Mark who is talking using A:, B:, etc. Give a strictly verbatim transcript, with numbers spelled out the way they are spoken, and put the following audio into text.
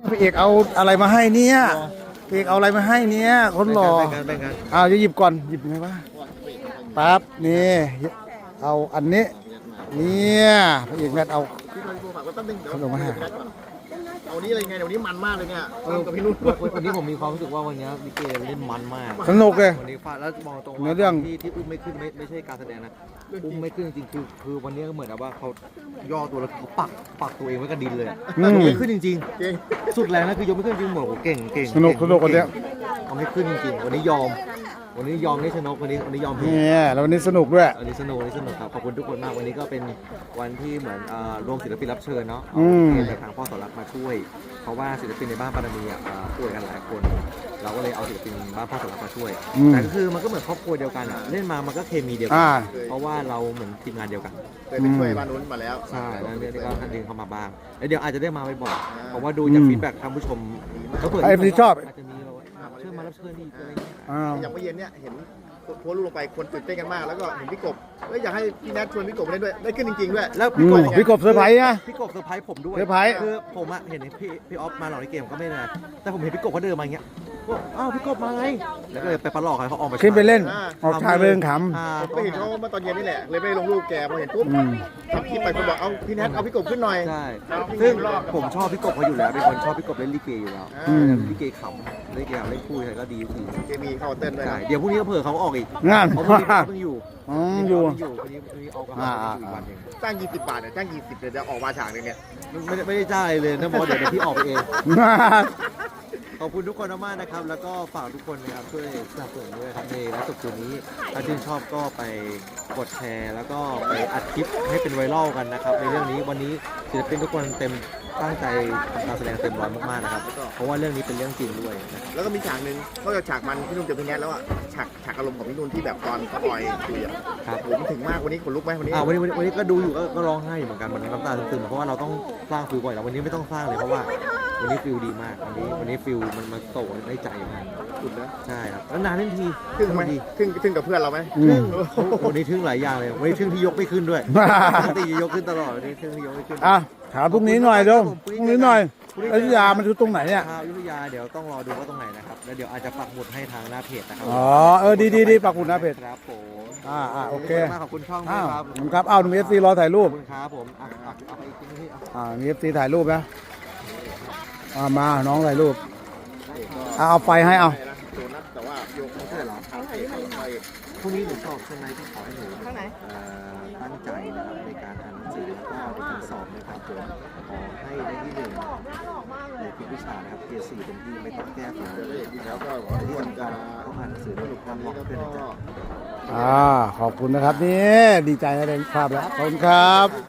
A: พี่เอกเอาอะไรมาให้เนี่ยพี่เอกเอาอะไรมาให้เนี่ยคนหล่ออ้าวจะหยิบก่อนหยิบไงวะปั๊บนี่เอาอันนี้เนี่ยพี่เอกแมทเอาขนมมาให้
B: เอานี้เลยไงเดี๋ยวนี้มันมากเลยเนี่ยกับพี่นุ่นวันนี้ผมมีความรู้สึกว่าวันนี้ลิเกเล่นมันมาก
A: สนุกเลย
B: วันนี้ฟาดแล้วมองตรงว่าที่ที่อุ้มไม่ขึ้นไม่ไม่ใช่การแสดงนะอุ้มไม่ขึ้นจริงคือคือวันนี้ก็เหมือนกับว่าเขาย่อตัวแล้วเขาปักปักตัวเองไว้กับดินเลยยกไม่ขึ้นจริงๆสุดแรงนะคือยกไม่ขึ้นจริงเหมือนเก่งเก่ง
A: สนุกสนุกวันนี้
B: เอาไม่ขึ้นจริงๆวันนี้ยอมวันนี้ยอมได้ชนะวันนี้วันนี้ยอม
A: เนี่ยแล้ววันนี้สนุกด้วย
B: วันนี้สนุกวันนี้สนุกครับขอบคุณทุกคนมากวันนี้ก็เป็นวันที่เหมือนรวมศิลปินรับเชิญเนาะเอาเพลงจากทางพ่อสอนรักมาช่วยเพราะว่าศิลปินในบ้านปารามีอ่ะป่วยกันหลายคนเราก็เลยเอาศิลปินบ้านพ่อสอนรักมาช่วยแต่ก็คือมันก็เหมือนครอบครัวเดียวกันอ่ะเล่นมามันก็เคมีเดียวกันเพราะว่าเราเหมือนทีมงานเดียวกันเคยไปช่วยบ้านนู้นมาแล้วใช่แล้วเนี่ยก็ดึงเข้ามาบ้างแล้วเดี๋ยวอาจจะได้มาบ่อยๆเพราะว่าดูจากฟีดแบ็กท่านผู้ชม
A: เขาเปิดไอ้ที่ชอบ
B: อาจจะมีเชิญมารับเชิญอีกอะไร
C: อย่างเมื่อเย็นเนี่ยเห็นโพสต์รูปลงไปคนตื่นเต้นกันมากแล้วก็เห็นพี่กบแล้วอยากให้พี่แนทชวนพี่กบมาเล่นด้วยได้ขึ้นจริงๆด้วย
B: แล้ว
A: พี่กบพี่กบเซอร์ไพรส์นะ
B: พี่กบเซอร์ไพรส์ผมด้วย
A: เซอร์ไพรส์
B: คือผมอะเห็นพี่พี่ออฟมาหล่อในเกมก็ไม่นะแต่ผมเห็นพี่กบเขาเดินมาอย่างเงี้ยว่าอ้าวพี่กบมาไงแล้วก็เลยไปปลอกเขาออกมา
A: ขึ้นไปเล่นออกชายเรื่องข
C: ำผมไปเห็นเขาเมื่อตอนเย็นนี่แหละเลยไปลงรูปแกพอเห็นปุ๊บทำคลิปไปคนบอกเอาพี่แนทเอาพี่กบขึ้นหน่อย
B: ใช่ซึ่งผมชอบพี่กบเขาอยู่แล้วเป็นคนชอบพี่กบเล่นลิเกอยู่แล้วลิเกขำลิเกเล่นคู่ใครก็ดีที
C: เคมีเข้าเต้นด้วย
B: เดี๋ยวพรุ่งนี้ก็เผื่อเขาออกอีก
A: งาน
B: เขาเพิ่งอยู่
A: อ๋ออยู่
B: อยู่พอดีพอดีออกอีกวันนึง
C: จ้างยี่สิบบาทเนี่ยจ้างยี่สิบเดี๋ยวจะออกมาฉากนึงเนี่ย
B: ไม่ไม่ได้จ้างเลยนะบอสเดี๋ยวพี่ออกไปเองขอบคุณทุกคนมากนะครับแล้วก็ฝากทุกคนนะครับช่วยสนับสนุนด้วยครับในไลฟ์สดคืนนี้ถ้าชื่นชอบก็ไปกดแชร์แล้วก็ไปอัดคลิปให้เป็นไวรัลกันนะครับในเรื่องนี้วันนี้ศิลปินทุกคนเต็มตั้งใจทำการแสดงเต็มร้อยมากๆนะครับเพราะว่าเรื่องนี้เป็นเรื่องจริงด้วย
C: แล้วก็มีฉากหนึ่งนอกจากฉากมันพี่นุ่นกับพี่แนทแล้วอ่ะฉากฉากอารมณ์ของพี่นุ่นที่แบบตอนเขาปล่อยคุยอ่ะครับผมถึงมากวันนี้ขนลุกไหมวันนี้
B: อ่าวันนี้วันนี้ก็ดูอยู่ก็ร้องไห้เหมือนกันมันน้ำตาซึมๆเพราะว่าเราต้องสร้างฟิลบ่อยแล้ววันนี้ไม่ต้องสร้างเลยเพราะว่าวันนี้ฟิลดีมากวันนี้วันนี้ฟิลมันมาโตได้ใจมาก
C: สุดนะ
B: ใช่ครับแล้วนานเล่นที
C: ทึ่งไหมทึ่งทึ่งกับเพื่อนเราไหม
B: วันนี้ทึ่งหลายอย่างเลยวันนี้ทึ่งที่ยกไม่ขึ้นด้วยปกติยกขึ้นตลอดวันนี้ทึ่งที่ยกไม่ขึ้น
A: อ่ะถามพรุ่งนี้หน่อยเดี๋ยวพรุ่งนี้หน่อยอยุธยามันอยู่ตรงไหนเนี่ย
B: อยุธยาเดี๋ยวต้องรอดูว่าตรงไหนนะครับแล้วเดี๋ยวอาจจะปักหมุดให้ทางหน้าเพจนะครับ
A: อ๋อเออดีดีดีปักหมุดหน้าเพจ
B: ครับผม
A: อ่าอ่าโอเค
B: ขอบคุณช่องด้วยครับ
A: ผมครับเอาหนุ่มเอฟซีรอถ่ายรูป
B: ครับผมอ่ะเอาไปอีกทีนึง
A: อ่ามีเอฟซีถ่ายรูปนะอ่ามาน้องถ่ายรูปเอาไฟให้เอา
C: แต่ว่าโยกไม่ใช่หรอทางเอก
B: พรุ่งนี้หนูสอบใช่ไหมที่ขอให้หนูตั้งใจนะครับในการอ่านหนังสือแล้วก็ในการสอบนะครับผมขอให้ได้ที่หนึ่งในทุกวิชานะครับเกรดสี่เป็นที่ไม่ต้องแก้ฝันแล้วก็ที่สำคัญต้องอ่านหนังสือด้วยความเหมาะด้วยนะจ๊ะ
A: อ่าขอบคุณนะครับนี่ดีใจนะได้ภาพแล้วขอบคุณครับ